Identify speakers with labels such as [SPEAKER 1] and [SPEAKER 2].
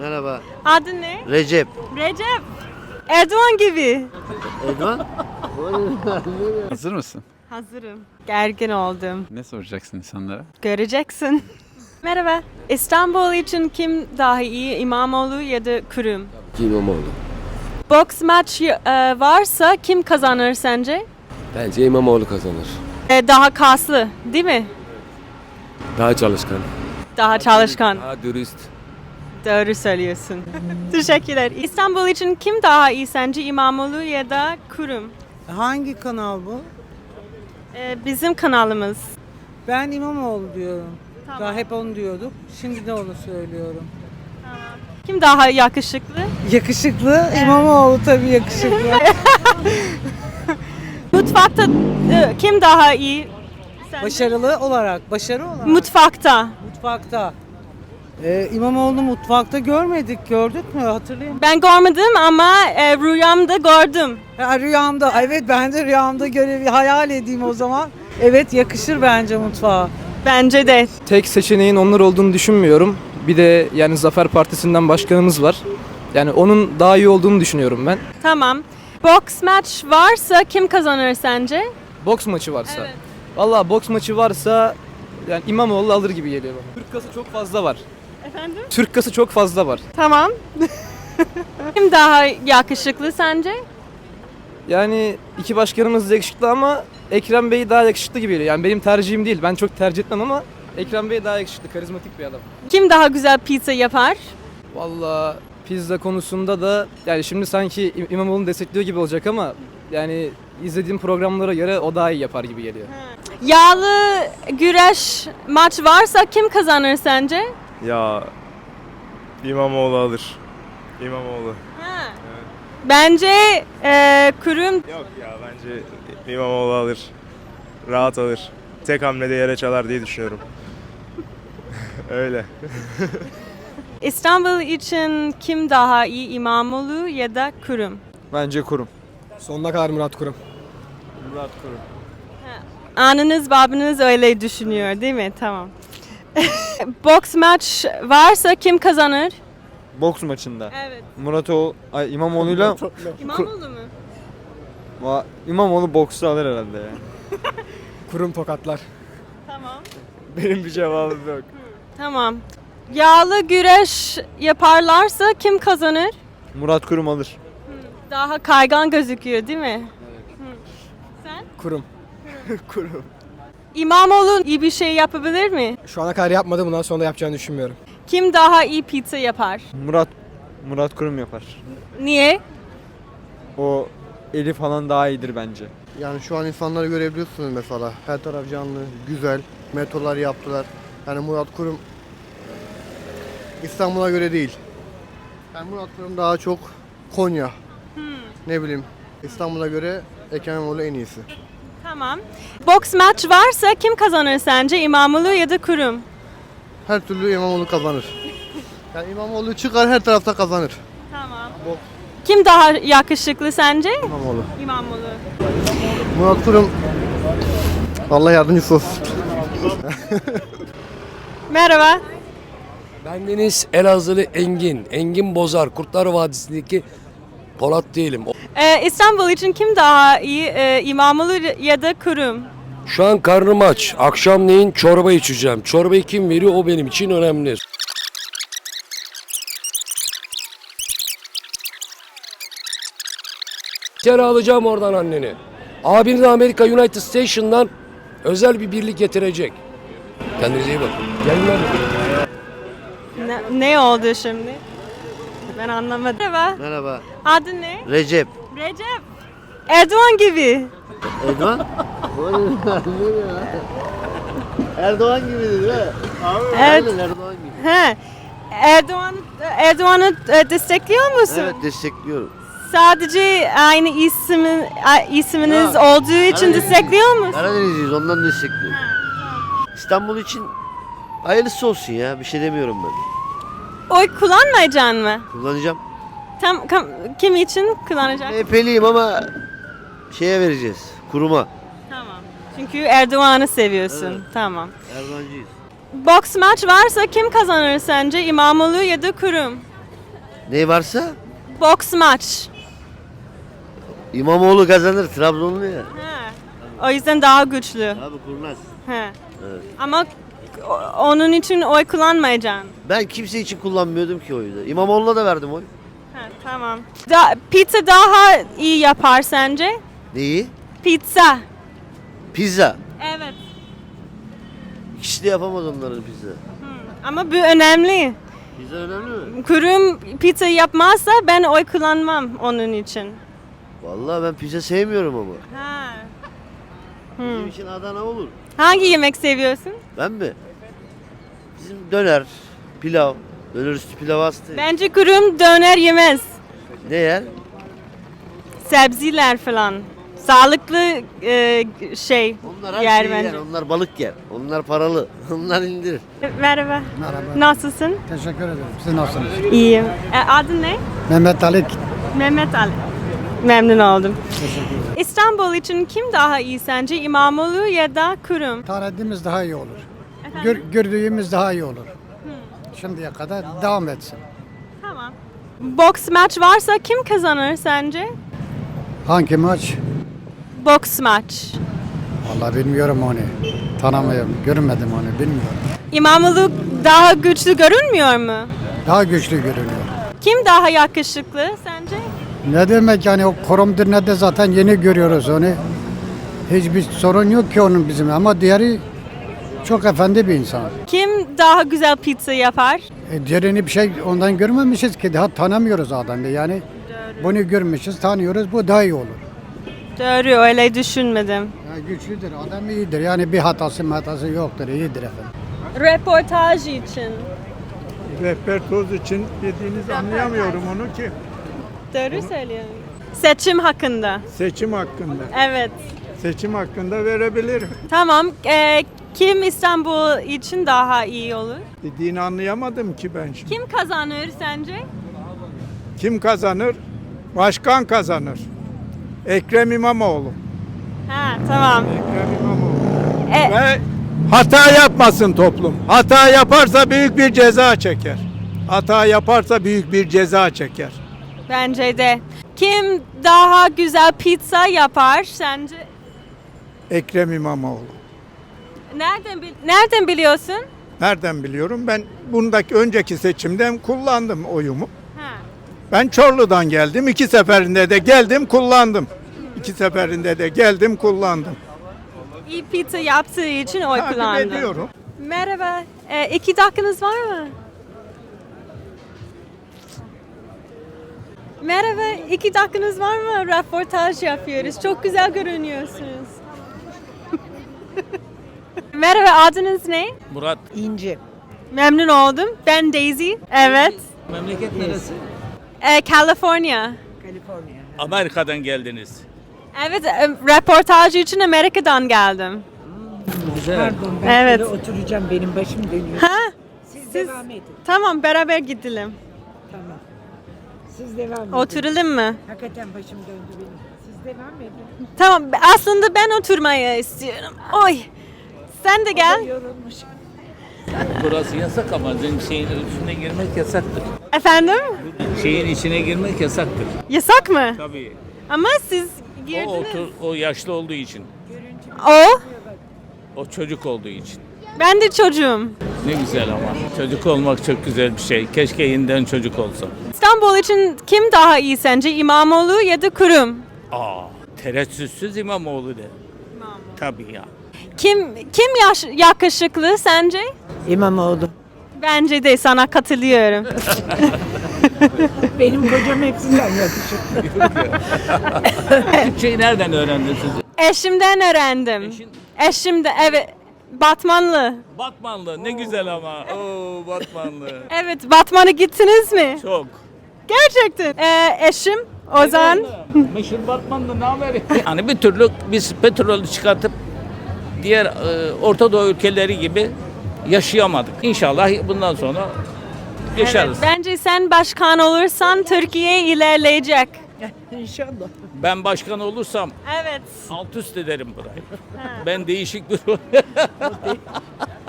[SPEAKER 1] Merhaba.
[SPEAKER 2] Adın ne?
[SPEAKER 1] Recep.
[SPEAKER 2] Recep. Erdoğan gibi.
[SPEAKER 1] Erdoğan?
[SPEAKER 3] Hazır mısın?
[SPEAKER 2] Hazırım. Gergin oldum.
[SPEAKER 3] Ne soracaksın insanlara?
[SPEAKER 2] Göreceksin. Merhaba. İstanbul için kim daha iyi, İmamoğlu ya da Kurum?
[SPEAKER 4] İmamoğlu.
[SPEAKER 2] Boks maç varsa kim kazanır sence?
[SPEAKER 4] Bence İmamoğlu kazanır.
[SPEAKER 2] Daha kaslı, değil mi?
[SPEAKER 4] Daha çalışkan.
[SPEAKER 2] Daha çalışkan.
[SPEAKER 4] Daha dürüst.
[SPEAKER 2] Doğru söylüyorsun. Teşekkürler. İstanbul için kim daha iyi sence, İmamoğlu ya da Kurum?
[SPEAKER 5] Hangi kanal bu?
[SPEAKER 2] Bizim kanalımız.
[SPEAKER 5] Ben İmamoğlu diyorum.
[SPEAKER 2] Tamam.
[SPEAKER 5] Daha hep onu diyorduk. Şimdi de onu söylüyorum.
[SPEAKER 2] Kim daha yakışıklı?
[SPEAKER 5] Yakışıklı. İmamoğlu tabii yakışıklı.
[SPEAKER 2] Mutfakta kim daha iyi sence?
[SPEAKER 5] Başarılı olarak. Başarı olarak.
[SPEAKER 2] Mutfakta.
[SPEAKER 5] Mutfakta. İmamoğlu'nu mutfakta görmedik. Gördük mü? Hatırlayayım.
[SPEAKER 2] Ben görmedim ama rüyamda gördüm.
[SPEAKER 5] Ha, rüyamda. Evet ben de rüyamda hayal edeyim o zaman. Evet yakışır bence mutfağa.
[SPEAKER 2] Bence de.
[SPEAKER 6] Tek seçeneğin onlar olduğunu düşünmüyorum. Bir de yani Zafer Partisi'nden başkanımız var. Yani onun daha iyi olduğunu düşünüyorum ben.
[SPEAKER 2] Tamam. Boks maç varsa kim kazanır sence?
[SPEAKER 6] Boks maçı varsa.
[SPEAKER 2] Evet.
[SPEAKER 6] Vallahi boks maçı varsa yani İmamoğlu alır gibi geliyor bana. Türk kası çok fazla var.
[SPEAKER 2] Efendim?
[SPEAKER 6] Türk kası çok fazla var.
[SPEAKER 2] Tamam. Kim daha yakışıklı sence?
[SPEAKER 6] Yani iki başkanımız da yakışıklı ama Ekrem Bey daha yakışıklı gibi geliyor. Yani benim tercihim değil. Ben çok tercih etmem ama Ekrem Bey daha yakışıklı, karizmatik bir adam.
[SPEAKER 2] Kim daha güzel pizza yapar?
[SPEAKER 6] Vallahi pizza konusunda da yani şimdi sanki İmamoğlu'nu destekliyor gibi olacak ama yani izlediğim programlara göre o daha iyi yapar gibi geliyor.
[SPEAKER 2] Yağlı güreş maç varsa kim kazanır sence?
[SPEAKER 7] Ya İmamoğlu alır. İmamoğlu.
[SPEAKER 2] Bence Kurum.
[SPEAKER 7] Yok ya bence İmamoğlu alır. Rahat alır. Tek hamlede yere çalar diye düşünüyorum. Öyle.
[SPEAKER 2] İstanbul için kim daha iyi, İmamoğlu ya da Kurum?
[SPEAKER 6] Bence Kurum. Sonuna kadar Murat Kurum.
[SPEAKER 7] Murat Kurum.
[SPEAKER 2] Anınız babanız öyle düşünüyor değil mi? Tamam. Boks maç varsa kim kazanır?
[SPEAKER 8] Boks maçında.
[SPEAKER 2] Evet.
[SPEAKER 8] İmamoğlu'yla
[SPEAKER 2] İmamoğlu mu?
[SPEAKER 8] İmamoğlu boksu alır herhalde ya.
[SPEAKER 6] Kurum tokatlar.
[SPEAKER 2] Tamam.
[SPEAKER 8] Benim bir cevabım yok.
[SPEAKER 2] Tamam. Yağlı güreş yaparlarsa kim kazanır?
[SPEAKER 8] Murat Kurum alır.
[SPEAKER 2] Daha kaygan gözüküyor değil mi? Sen?
[SPEAKER 6] Kurum.
[SPEAKER 8] Kurum.
[SPEAKER 2] İmamoğlu iyi bir şey yapabilir mi?
[SPEAKER 6] Şu ana kadar yapmadı, bundan sonra da yapacağını düşünmüyorum.
[SPEAKER 2] Kim daha iyi pizza yapar?
[SPEAKER 8] Murat Kurum yapar.
[SPEAKER 2] Niye?
[SPEAKER 8] O eli falan daha iyidir bence.
[SPEAKER 1] Yani şu an insanları görebiliyorsunuz mesela. Her taraf canlı, güzel. Metrolar yaptılar. Yani Murat Kurum İstanbul'a göre değil. Yani Murat Kurum daha çok Konya. Ne bileyim. İstanbul'a göre Ekrem İmamoğlu en iyisi.
[SPEAKER 2] Tamam. Boks maç varsa kim kazanır sence? İmamoğlu ya da Kurum?
[SPEAKER 1] Her türlü İmamoğlu kazanır. Yani İmamoğlu çıkar her tarafta kazanır.
[SPEAKER 2] Tamam. Kim daha yakışıklı sence?
[SPEAKER 1] İmamoğlu.
[SPEAKER 2] İmamoğlu.
[SPEAKER 1] Murat Kurum Allah yardımcısı olsun.
[SPEAKER 2] Merhaba.
[SPEAKER 9] Ben Deniz Elazığlı Engin. Engin Bozar. Kurtlar Vadisi'ndeki Polat değilim.
[SPEAKER 2] İstanbul için kim daha iyi? İmamoğlu ya da Kurum?
[SPEAKER 9] Şu an karnım aç. Akşamleyin çorba içeceğim. Çorbayı kim veriyor o benim için önemli. İçeri alacağım oradan anneni. Abini de Amerika United Station'dan özel bir birlik getirecek. Kendinize iyi bakın. Gelin lan.
[SPEAKER 2] Ne oldu şimdi? Ben anlamadım. Merhaba.
[SPEAKER 1] Merhaba.
[SPEAKER 2] Adın ne?
[SPEAKER 1] Recep.
[SPEAKER 2] Recep. Erdoğan gibi.
[SPEAKER 1] Erdoğan? Erdoğan gibi değil mi?
[SPEAKER 2] Evet.
[SPEAKER 1] Aynen Erdoğan gibi.
[SPEAKER 2] He. Erdoğan'ı destekliyor musun?
[SPEAKER 1] Evet destekliyorum.
[SPEAKER 2] Sadece aynı isminiz
[SPEAKER 1] Ha.
[SPEAKER 2] olduğu için
[SPEAKER 1] Karadeniz.
[SPEAKER 2] destekliyor musun?
[SPEAKER 1] Karadenizliyiz ondan destekliyorum. İstanbul için hayırlısı olsun ya bir şey demiyorum ben.
[SPEAKER 2] Oy kullanmayacaksın mı?
[SPEAKER 1] Kullanacağım.
[SPEAKER 2] Kim için kullanacaksın?
[SPEAKER 1] MHP'liyim ama şeye vereceğiz. Kuruma.
[SPEAKER 2] Tamam. Çünkü Erdoğan'ı seviyorsun.
[SPEAKER 1] Evet.
[SPEAKER 2] Tamam.
[SPEAKER 1] Erdoğancıyız.
[SPEAKER 2] Boks maç varsa kim kazanır sence? İmamoğlu ya da Kurum?
[SPEAKER 10] Ne varsa
[SPEAKER 2] Boks maç.
[SPEAKER 10] İmamoğlu kazanır. Trabzonlu ya.
[SPEAKER 2] Ha. O yüzden daha güçlü.
[SPEAKER 10] Abi kurnaz.
[SPEAKER 2] Ha.
[SPEAKER 10] Evet.
[SPEAKER 2] Ama onun için oy kullanmayacaksın.
[SPEAKER 10] Ben kimse için kullanmıyordum ki oyu da. İmamoğlu'na da verdim oy.
[SPEAKER 2] Ha, tamam. Pizza daha iyi yapar sence?
[SPEAKER 10] Neyi?
[SPEAKER 2] Pizza.
[SPEAKER 10] Pizza.
[SPEAKER 2] Evet.
[SPEAKER 10] İkisi de yapamaz onların pizza.
[SPEAKER 2] Ama bu önemli.
[SPEAKER 10] Pizza önemli mi?
[SPEAKER 2] Kurum pizza yapmazsa ben oy kullanmam onun için.
[SPEAKER 10] Vallahi ben pizza sevmiyorum ama.
[SPEAKER 2] Ha.
[SPEAKER 10] Bizim için Adana olur.
[SPEAKER 2] Hangi yemek seviyorsun?
[SPEAKER 10] Ben mi? Bizim döner, pilav. Döner üstü pilav hastayım.
[SPEAKER 2] Bence kurum döner yemez.
[SPEAKER 10] Ne yer?
[SPEAKER 2] Sebzeler falan. Sağlıklı şey
[SPEAKER 10] Onlar her
[SPEAKER 2] yer
[SPEAKER 10] şeyi
[SPEAKER 2] bence.
[SPEAKER 10] yer. Onlar balık yer. Onlar paralı. Onlar indirir.
[SPEAKER 2] Merhaba.
[SPEAKER 11] Merhaba.
[SPEAKER 2] Nasılsın?
[SPEAKER 11] Teşekkür ederim. Siz nasılsınız?
[SPEAKER 2] İyiyim. Adın ne?
[SPEAKER 11] Mehmet Ali.
[SPEAKER 2] Mehmet Ali. Memnun oldum.
[SPEAKER 11] Teşekkür ederim.
[SPEAKER 2] İstanbul için kim daha iyi sence? İmamoğlu ya da Kurum?
[SPEAKER 11] Tanıdığımız daha iyi olur.
[SPEAKER 2] Efendim?
[SPEAKER 11] Gördüğümüz daha iyi olur. Şimdiye kadar devam etsin.
[SPEAKER 2] Tamam. Boks maç varsa kim kazanır sence?
[SPEAKER 11] Hangi maç?
[SPEAKER 2] Boks maç.
[SPEAKER 11] Vallahi bilmiyorum onu. Tanımıyorum. Görmedim onu. Bilmiyorum.
[SPEAKER 2] İmamoğlu daha güçlü görünmüyor mu?
[SPEAKER 11] Daha güçlü görünüyor.
[SPEAKER 2] Kim daha yakışıklı sence?
[SPEAKER 11] Ne demek yani o korumdur ne de zaten yeni görüyoruz onu. Hiçbir sorun yok ki onun bizim ama diğeri çok efendi bir insan.
[SPEAKER 2] Kim daha güzel pizza yapar?
[SPEAKER 11] Diğerini bir şey ondan görmemişiz ki daha tanımıyoruz adamı yani. Bunu görmüşüz, tanıyoruz. Bu daha iyi olur.
[SPEAKER 2] Doğru, öyle düşünmedim.
[SPEAKER 11] Ya güçlüdür, adam iyidir. Yani bir hatası yoktur, iyidir efendim.
[SPEAKER 2] Röportaj için.
[SPEAKER 12] Rehber toz için dediğiniz anlayamıyorum onu ki.
[SPEAKER 2] Doğru söylüyorum. Seçim hakkında.
[SPEAKER 12] Seçim hakkında.
[SPEAKER 2] Evet.
[SPEAKER 12] Seçim hakkında verebilirim.
[SPEAKER 2] Tamam. Kim İstanbul için daha iyi olur?
[SPEAKER 12] Dediğini anlayamadım ki ben şimdi.
[SPEAKER 2] Kim kazanır sence?
[SPEAKER 12] Kim kazanır? Başkan kazanır. Ekrem İmamoğlu.
[SPEAKER 2] Ha, tamam.
[SPEAKER 12] Ekrem İmamoğlu.
[SPEAKER 2] E,
[SPEAKER 12] Ve hata yapmasın toplum. Hata yaparsa büyük bir ceza çeker. Hata yaparsa büyük bir ceza çeker.
[SPEAKER 2] Bence de. Kim daha güzel pizza yapar sence?
[SPEAKER 12] Ekrem İmamoğlu.
[SPEAKER 2] Nereden biliyorsun?
[SPEAKER 12] Nereden biliyorum? Ben bundaki önceki seçimden kullandım oyumu.
[SPEAKER 2] Ha.
[SPEAKER 12] Ben Çorlu'dan geldim. 2 seferinde de geldim kullandım. 2 seferinde de geldim kullandım.
[SPEAKER 2] İyi pizza yaptığı için oy
[SPEAKER 12] Takip
[SPEAKER 2] kullandım.
[SPEAKER 12] ediyorum.
[SPEAKER 2] Merhaba. 2 dakikanız var mı? Merhaba. 2 dakikanız var mı? Röportaj yapıyoruz. Çok güzel görünüyorsunuz. Merhaba. Adınız ne?
[SPEAKER 13] Murat.
[SPEAKER 5] İnci.
[SPEAKER 2] Memnun oldum. Ben Daisy. Evet.
[SPEAKER 13] Memleket neresi?
[SPEAKER 2] California.
[SPEAKER 13] Amerika'dan geldiniz.
[SPEAKER 2] Evet. Röportaj için Amerika'dan geldim.
[SPEAKER 13] Güzel.
[SPEAKER 2] Evet.
[SPEAKER 5] Oturacağım, benim başım dönüyor.
[SPEAKER 2] Ha?
[SPEAKER 5] Siz devam edin.
[SPEAKER 2] Tamam. Beraber gidelim.
[SPEAKER 5] Tamam. Siz devam edin.
[SPEAKER 2] Oturalım mı?
[SPEAKER 5] Hakikaten başım döndü benim. Siz devam edin.
[SPEAKER 2] Tamam. Aslında ben oturmayı istiyorum. Oy. Sen de gel.
[SPEAKER 5] Yorulmuş.
[SPEAKER 13] Burası yasak ama şeyin içine girmek yasaktır.
[SPEAKER 2] Efendim?
[SPEAKER 13] Şeyin içine girmek yasaktır.
[SPEAKER 2] Yasak mı?
[SPEAKER 13] Tabii.
[SPEAKER 2] Ama siz girdiniz.
[SPEAKER 13] O yaşlı olduğu için.
[SPEAKER 2] O?
[SPEAKER 13] O çocuk olduğu için.
[SPEAKER 2] Ben de çocuğum.
[SPEAKER 13] Ne güzel ama. Çocuk olmak çok güzel bir şey. Keşke yeniden çocuk olsa.
[SPEAKER 2] İstanbul için kim daha iyi sence? İmamoğlu ya da Kurum?
[SPEAKER 13] Tereddütsüz İmamoğlu de. Tabii ya.
[SPEAKER 2] Kim yakışıklı sence?
[SPEAKER 5] İmamoğlu.
[SPEAKER 2] Bence de sana katılıyorum.
[SPEAKER 5] Benim kocam hepsinden yakışıklı.
[SPEAKER 13] Türkçeyi nereden öğrendin siz?
[SPEAKER 2] Eşimden öğrendim. Eşimden, evet. Batmanlı.
[SPEAKER 13] Batmanlı ne güzel ama. Oo Batmanlı.
[SPEAKER 2] Evet, Batman'a gittiniz mi?
[SPEAKER 13] Çok.
[SPEAKER 2] Gerçekten. Eşim Ozan.
[SPEAKER 13] Meşhur Batmanlı ne haber? Hani bir türlü biz petrolü çıkartıp diğer Orta Doğu ülkeleri gibi yaşayamadık. İnşallah bundan sonra yaşarız.
[SPEAKER 2] Evet, bence sen başkan olursan Türkiye ilerleyecek.
[SPEAKER 5] İnşallah.
[SPEAKER 13] Ben başkan olursam
[SPEAKER 2] Evet.
[SPEAKER 13] alt üst ederim burayı. Ben değişik bir